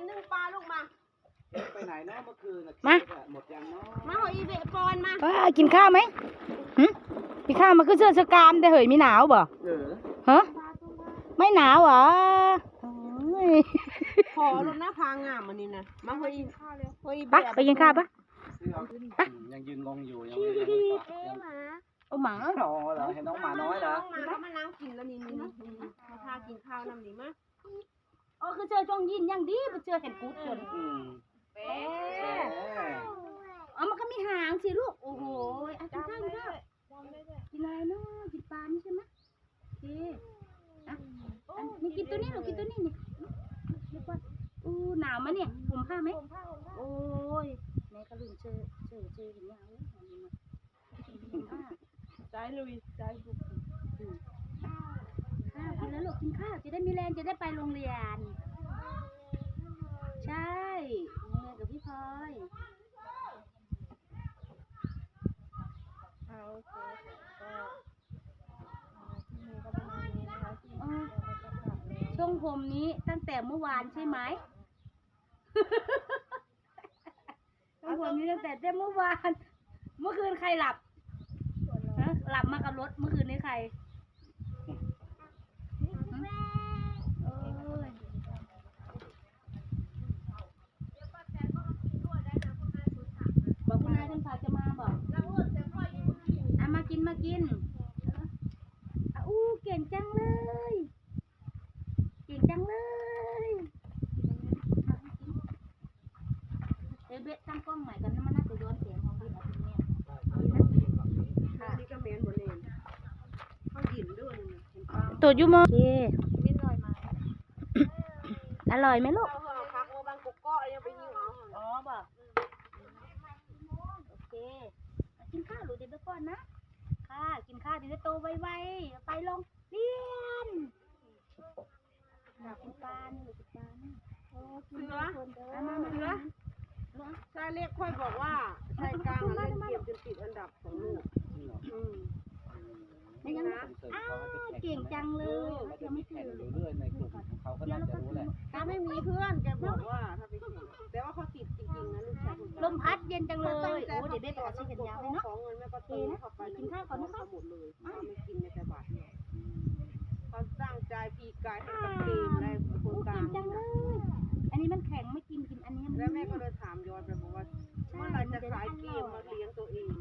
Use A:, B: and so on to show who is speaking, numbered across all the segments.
A: นึ่งปลาลูกมา
B: ไปไหนเนาะเมื่อคืน
C: มา
B: หมดยังเนาะ
A: มาหอยอีเบะปอนมา
C: กินข้าวไหมกินข้าวมาคือเสื้อสกามแต่เหยมีหนาวบ่ฮะไม่หนาวเหรอ
A: ขอรถหน้าพางามมันนี่นะมาหอยอีข้าวเลยหอยอี
C: ปะไปกินข้าวปะ
B: ยังยืนงงอยู่ยังไม่ได้
C: เอาหมา
B: หรอเหรอเห็นน้องหมาน้อยเหรอ
A: เขามานั่งกินแล้วนี่มาพากินข้าวน้ำนี่มั้ย
C: คือเจอจงยินยังดีไปเจอเห็นกูดจนมันก็มีหางสิลูกโอ้โหกินข้าวกินอะไรเนาะกินปลานี่ใช่ไหมนี่กินตัวนี้หนูกินตัวนี้นี่หนาวมั้ยเนี่ยผมผ้าไหมโอ้ยแม่ก็ลืมเจอเห็นยัง
A: ใจลุยใจบุก
C: ข้าวกินแล้วลูกกินข้าวจะได้มีแรงจะได้ไปโรงเรียนใช่โรงเรียนกับพี่พลอยช่วงผมนี้ตั้งแต่เมื่อวานใช่ไหมช่วงผมนี้ตั้งแต่เมื่อวานเมื่อคืนใครหลับหลับมากับรถเมื่อคืนนี้ใครบอกคุณนายคุณฝากจะมาบอกมากินเก่งจังเลยเบสตั้งกล้องใหม่กันนะมันน่าจะย้อนเสียงของพี่อาทิตย์เนี่ย
A: นี่ก็เมนหมดเลยเขาหยินด้วย
C: ตัวยูโมอร่อยไหมลูก
A: พักโอบางกุ๊กก้อยังไปยิงเอา
C: บ่โอเคกินข้าวหรือเดี๋ยวไปก่อนนะค่ะกินข้าวเดี๋ยวจะโตไวๆไปลงเรียนกินปลานี่หรือกินปลานี่
A: เสือชายเล็กค่อยบอกว่าชายกลางเล่นเกมจนติดอันดับของลูก
C: นี่นะเก่งจังเลย
B: ยังไม่ถึงเรื่อยในกลุ่มของเขาก็น่าจะรู้แหละ
A: ถ้าไม่มีเพื่อนแกบอกว่าถ้าไปแข่งแต่ว่าเขาติดจริงๆนะลูกชาย
C: ลมพัดเย็นจังเลยโอ้เดี๋ยวเบ๊ไปเอาชิ้นยาวเลยเนาะ
A: ของเงินแม่ก็ตีเข้าไปกินข้าวก่อนนะคะหมดเลยไม่กินในแต่บาทเนี่ยเขาสร้างใจปีกายให้กับเกมอะไรคนกลาง
C: จังเลยอันนี้มันแข็งไม่กินอันนี้
A: แล้วแม่ก็เลยถามย้อนไปบอกว่าเมื่อไรจะขายเกมมาเลี้ยงตัวเอง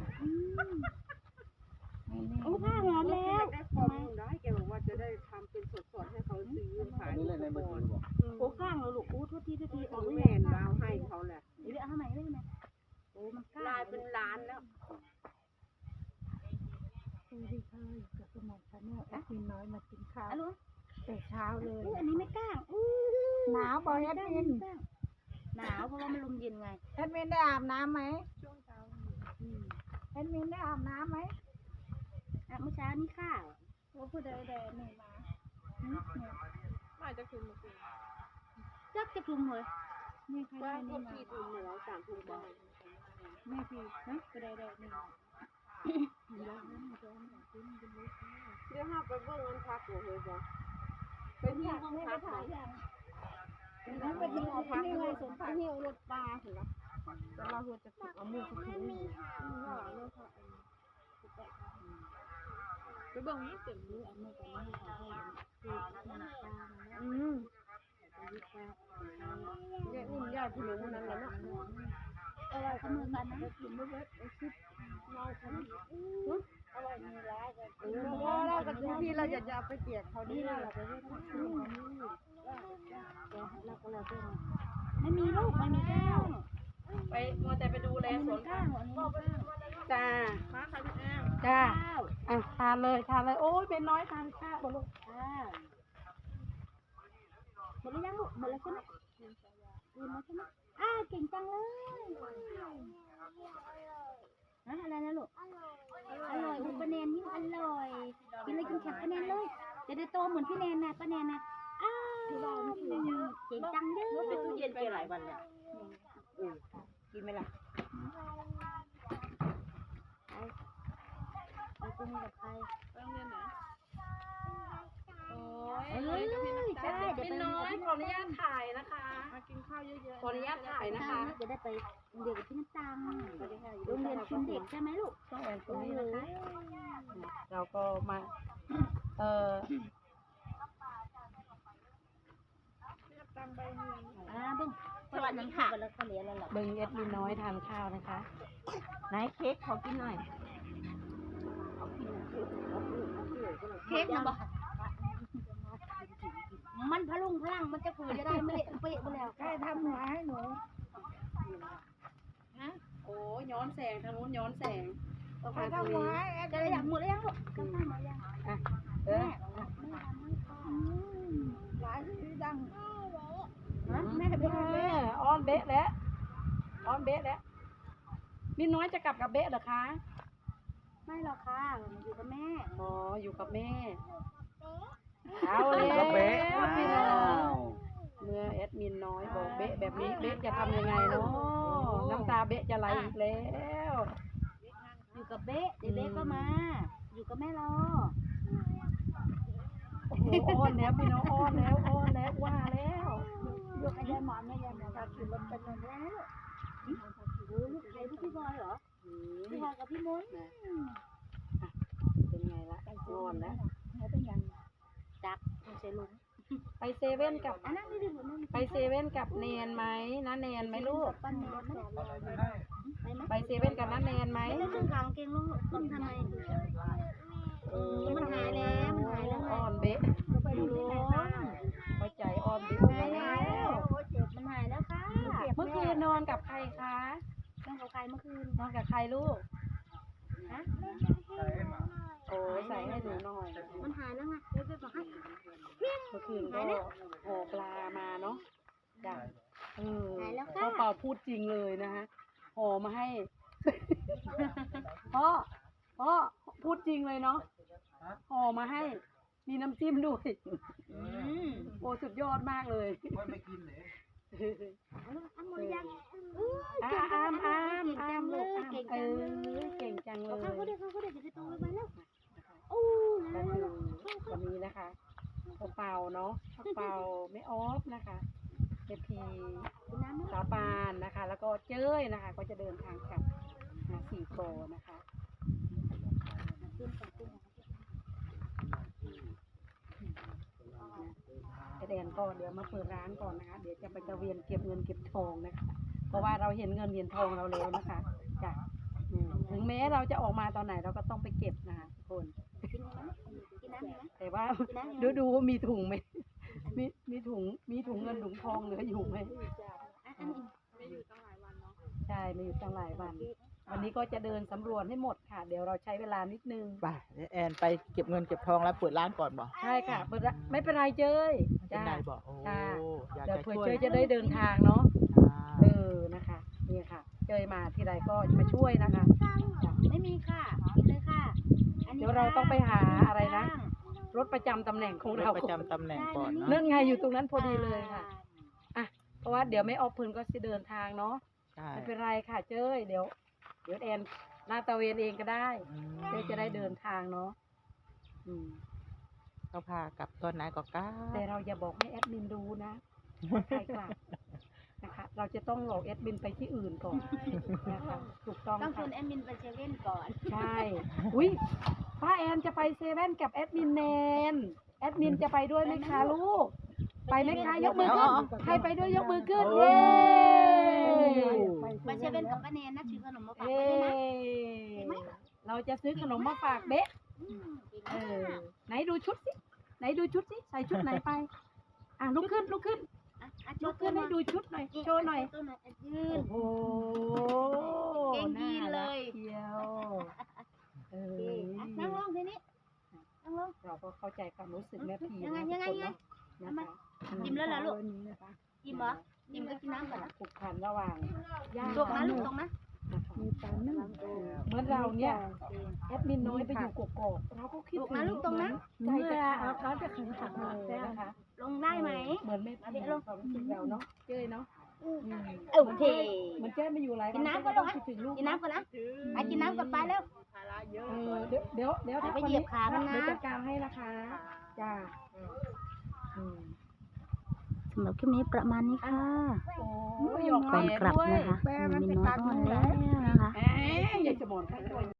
C: โอ้ผ้าหอมแล้ว
A: ได้ความรู้ได้แกบอกว่าจะได้ทำเป็นสดๆให้เขาซื้อขาย
B: นี่เลยในมือถือบอก
C: โอ้ข้างเราลูกโอ้ทุกที
A: โอ้แม่ดาวให้เขาแหละ
C: เดี๋ยวเอาใหม่ได้ไหมโอ้มัน
A: ลายเป็นล้านแล้ว
D: สวัสดีค่ะกับสมองชาแนลแอดมินน้อยมากินข้าวแต่เช้าเลย
C: อันนี้ไม่กล้า
D: หนาวบอแอดมิน
C: หนาวเพราะว่ามันลมเย็นไง
D: แอดมินได้อาบน้ำไหมช่วงเช้าแอดมินได้อาบน้ำไหม
C: เมื่อเช้านี้ข้าว
D: ว่าผู้ใดแดดหนึ่งมาจะคุมมาคุม
C: จะคุมเลย
D: นี่ใครได้
A: นี่มาคุมเรา3 ทุ่มได้
D: แม่พี่นะผู้ใดแดดหนึ่ง
A: เดี๋ยวห้าไปเบิ่งมันพักหัวเลยจ้ะไปที่ห้องพักนั่นไปที่ห้องพักเลยสมพักเหี่ยวรถปลาเหรอแต่เราหัวจะเอามือเขาถือไปเบิ่งนี่เต็มเลยเอามือกันนี่เขาให้คือน้ำตาเนี่ยอุ่นยาผู้หญิงนั้นแหละเนาะ
C: อะไรขมือกันนะ
A: กินไม่เบิดไอ้ชิบเราคน
D: อะไรมีร้ายกัน
A: เรากับที่เราจะเอาไปเปียกเขานี่เราไปเล่น
C: เราก็เลยเป็นไม่มีลูกไม่มีแก้ว
A: ไปมัวแต่ไปดูแลสวน
C: ข้าง
A: จ้ามาค่ะพี่แอม
C: จ้า
A: ทานเลยโอ้ยเป็นน้อยทานข้าวลูก
C: หมดแล้วยังลูกหมดแล้วใช่ไหมกินแล้วใช่ไหมเก่งจังเลยอะไรนะลูกอร่อยป้าแนนยิ่งอร่อยกินเลยกินแข็งป้าแนนเลยจะได้โตเหมือนพี่แนนนะป้าแนนนะเก่งจังเด้อ
A: เป็นตู้เย็นไปหลายวันแล้วกินไหมล่ะ
C: ไปกินกับใคร
A: โรงเรียนไหน
C: ใช่เดี๋ยว
A: เป็นน้อยขออนุญาตถ่ายนะคะมากินข้าวเยอะๆ
E: ขออนุญาตถ่ายนะคะ
C: จะได้ไปโรงเรียนกับพี่น้ำตาล
E: สวัสดีค่ะ
C: โรงเรียนคุณเด็กใช่ไหมลูก
E: ช่องแอนตรงนี้นะคะ เราก็มา
C: เบิ้งสวัสดีค่ะแล้วก็เรียนแล้วหรอ
E: เบิงเอ็ดมินน้อยทานข้าวนะคะไหนเค้กขอกินหน่อย
C: เค้กนะบอกมันพลุงพลังมันจะคือจะได้ไม่เละเป๊ะไปแล้ว
D: ใครทำหัวให้หนู
E: โอ้ย้อนแสงทางนู้นย้อนแสงต้อง
D: ใคร
E: มาทาง
D: ทำหัว
E: นี้
D: ให้แอด
C: จะได้อยากหมดแล้วยังลูกกำลังมายัง
E: เออ
D: หลายที่ดัง
C: แม่จะไปทำ
E: อ้อนเบ๊ะแล้วอ้อนเบ๊ะแล้วมินน้อยจะกลับกับเบ๊ะเหรอคะ
C: ไม่หรอกค่ะอยู่กับแม่
E: อ๋ออยู่กับแม่เอาแล้ว
B: ก็เบ๊ะ
E: พี่น้อ
B: อ้าง ว
E: เมื่อแอดมินน้อยบอกเบ๊ะแบบนี้เบ๊ะจะทำยังไงเนาะน้ำตาเบ๊ะจะไหลอีกแล้ว
C: อยู่กับเบ๊ะเดี๋ยวเบ๊ะก็มา อยู่กับแม่รอ
E: โอ้โหอ้อนแล้วพี่น้องอ้อนแล้วว่าแล้ว
C: ยกไอ้ยายหมอนแม่ยายหมอนขี่รถเป็นยังไงลูกใครลูกพี่บอยเหรอพี่บอยกับพี่มนต์
E: เป็นไงละอ้อนแล้ว
C: เขาเป็นยังจักมันเซลุง
E: ไปเซเว่นกับ
C: นั่งนี่ดินั่ง
E: ไปเซเว่นกับเนนไหมน้าแนนไหมลูก
C: ปั้นแม่ไปไหม
E: ไปเซเว่นกับน้าแนนไหม
C: ไม่ต้องขังเกงลูกต้องทำไมมันหายแล้วมันหายแล้วไง
E: อ้อนเบ๊ะ
C: ไปดูที่ไหนบ้าง
E: เข้าใจอ้อนเบ๊ะ
C: หายแล้วมันหายแล้วค่ะ
E: เมื่อคืนนอนกับใครคะ
C: นั่งกับใครเมื่อคืน
E: นอนกับใครลูก
C: ฮะ
E: โอ้ใส่ให้หนูหน่อย
C: มันหายแล้วไงเดี๋ยวไปบอกให้
E: เมื่อคืนก็ห่อปลามาเนาะจ้ะ
C: หายแล้ว
E: พ่
C: ค่ะ
E: อเป่าพูดจริงเลยนะฮะห่อมาให้ พ่อพูดจริงเลยเนาะห่อมาให้ มีน้ำจิ้มด้วย โอ้สุดยอดมากเลย
C: อันหมดยัง
E: อ้ามลูกเก่งจังเลย
C: เขาเด็กจะได้โตไปแล้วโอ้
E: ก็คือวันนี้นะคะพ่อเป่าเนาะพ่อเป่าไม่ออฟนะคะเจพีสาวปานนะคะ แล้วก็เจ้ยนะคะ ก็จะเดินทางกลับสี่โกนะคะแดนก็เดี๋ยวมาเปิดร้านก่อนนะคะ เดี๋ยวจะไปตะเวียนเก็บเงินเก็บทองนะคะ เพราะว่าเราเห็นเงินเห็นทองเราแล้วนะคะจ้ะถึงแม้เราจะออกมาตอนไหนเราก็ต้องไปเก็บนะคะทุกคน
C: กินน้ำไหม
E: แต่ว่าดูมีถุงไหมมีถุงเงินถุงทองเหลืออยู่ไหม
C: อันนี้
E: ใช่ไม่อยู่ตั้งหลายวัน วันนี้ก็จะเดินสำรวจให้หมดค่ะ เดี๋ยวเราใช้เวลานิดนึง
F: ไปเดี๋ยวแอนไปเก็บเงินเก็บทองแล้วเปิดร้านก่อนบอก
E: ใช่ค่ะเปิดร้านไม่เป็นไรเจ้ย
F: เป็นไรบอกโอ้
E: จ้า
F: อยาก
E: เดี๋ยว
F: จะ
E: เผื่อ
F: ช่วย
E: เจ้ยจะได้เดินทางเนาะ
F: อ่า
E: นะคะนี่ค่ะ เจ้ยมาทีไรก็มาช่วยนะคะ
C: ไม่มีค่ะกินเลยค่ะ
E: เดี๋ยวเราต้องไปหาอะไรนะ รถประจำตำแหน่งของเรา
F: ประจำตำแหน่งก่อน
E: เนื่
F: เนาะ
E: องไงอยู่ตรงนั้นพอดีเลยค่ะเพราะว่าเดี๋ยวไม่ออกพื้นก็จะเดินทางเนาะ
F: ใช่
E: ไม่เป็นไรค่ะเจ้ยเดี๋ยวแอนลาดตระเวนเองก็ได้ เจ้ยจะได้เดินทางเนาะ
F: เขาพากลับตอนไหนก็กล้า
E: แต่เราอย่าบอกให้แอดมินดูนะใครกลับนะคะ เราจะต้องหลอกแอดมินไปที่อื่นก่อนนะคะถูกต้อง
C: ต้องช
E: ค่ะ
C: วนแอดมินไปเซเว่นก่อน
E: ใช่อุ้ยป้าแอนจะไปเซเว่นกับแอดมินแนนแอดมินจะไปด้วยไหมคะลูกไปไหมคะยกมือขึ้นใครไปด้วยยกมือขึ้นเย้
C: ไปเซเว่นกับป้าแนนนะซื้อขนมมาฝาก
E: เย้
C: ไว้ด้วยนะ
E: เราจะซื้อขนมมาฝากเบ๊ะไหนดูชุดสิใส่ชุดไหนไปลุกขึ้นลุกขึ้นให้ดูชุดหน่อยโชว์หน่อย
C: ยืน
E: โอ้โห
C: เก่งยีนเลย
E: เที่ยว
C: นั่งลงทีนี้นั่งลง
E: เราก็เข้าใจความรู้สึกแม่พี
C: ยังไง
E: นะทุกคนเนาะนะคะ
C: จิ้มแล้วเหรอลูกจิ้มเหรอจิ้มก็กินน้ำก่อนนะ
E: ผูกพันระหว่างย่า
C: ตกนะลูกตกนะ
E: นะคะ
D: มีปลานึ่ง
E: เหมือนเราเนี่ยแอดมินน้อยไปอยู่กกอกเราก็คิด
C: ตก
E: ถึ
C: นะ
E: ง
C: ลูกตกนะ
E: ใจจะขาดจะขันหักเลยนะคะ
C: ลงได้ไหม
E: เหมือนแม่พีความรู้สึกเราเนาะเจ้ยเนาะ
C: โอเค
E: มันเจ้ยไม่อยู่หลายวั
C: กินน้ำก่อนลูก
E: คิดถึงลูก
C: กินน้ำก่อนนะไอ้กินน้ำก่อนไปแล้ว
E: เดี๋ยว
C: ไปเหยียบขามันนะ
E: เดี๋ยวจัดการให้นะคะจ้า
C: สำหรับคลิปนี้ประมาณนี้ค่ะ
E: โอ้อก
C: ก่อนกลับ
E: ด้วย
C: นะคะ
D: แปรมัน
C: มิ
D: ไป
C: นน้อย
D: ตัด
C: อ่อน
D: นู่นแห
C: แล้
D: ละ
C: วนะคะ
E: แหมยายสมอนค่ะ